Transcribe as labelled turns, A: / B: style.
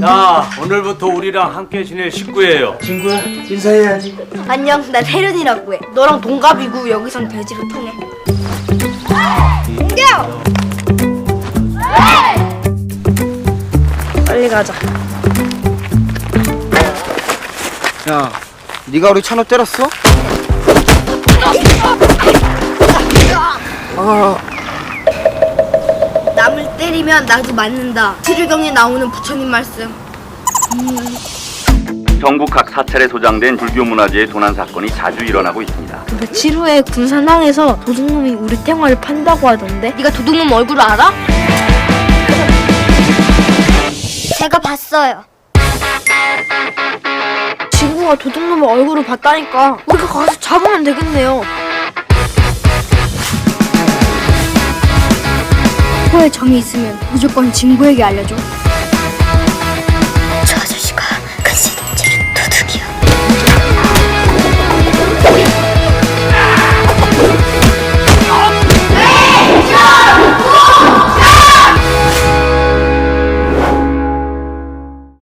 A: 자, 오늘부터 우리랑 함께 지낼 식구예요.
B: 친구야, 인사해야지.
C: 안녕, 난 혜련이라고 해. 너랑 동갑이고 여기선 돼지로 통해. 공격! 빨리 가자.
B: 야, 네가 우리 찬호 때렸어?
C: 남을 때리면 나도 맞는다. 치료경에 나오는 부처님 말씀.
D: 전국 각 사찰에 소장된 불교 문화재의 도난 사건이 자주 일어나고 있습니다.
C: 며칠 후에 군산항에서 도둑놈이 우리 탱화를 판다고 하던데. 네가 도둑놈 얼굴 알아?
E: 제가 봤어요.
C: 친구가 도둑놈의 얼굴을 봤다니까. 우리가 가서 잡으면 되겠네요. 코에 정이 있으면 무조건 친구에게 알려줘.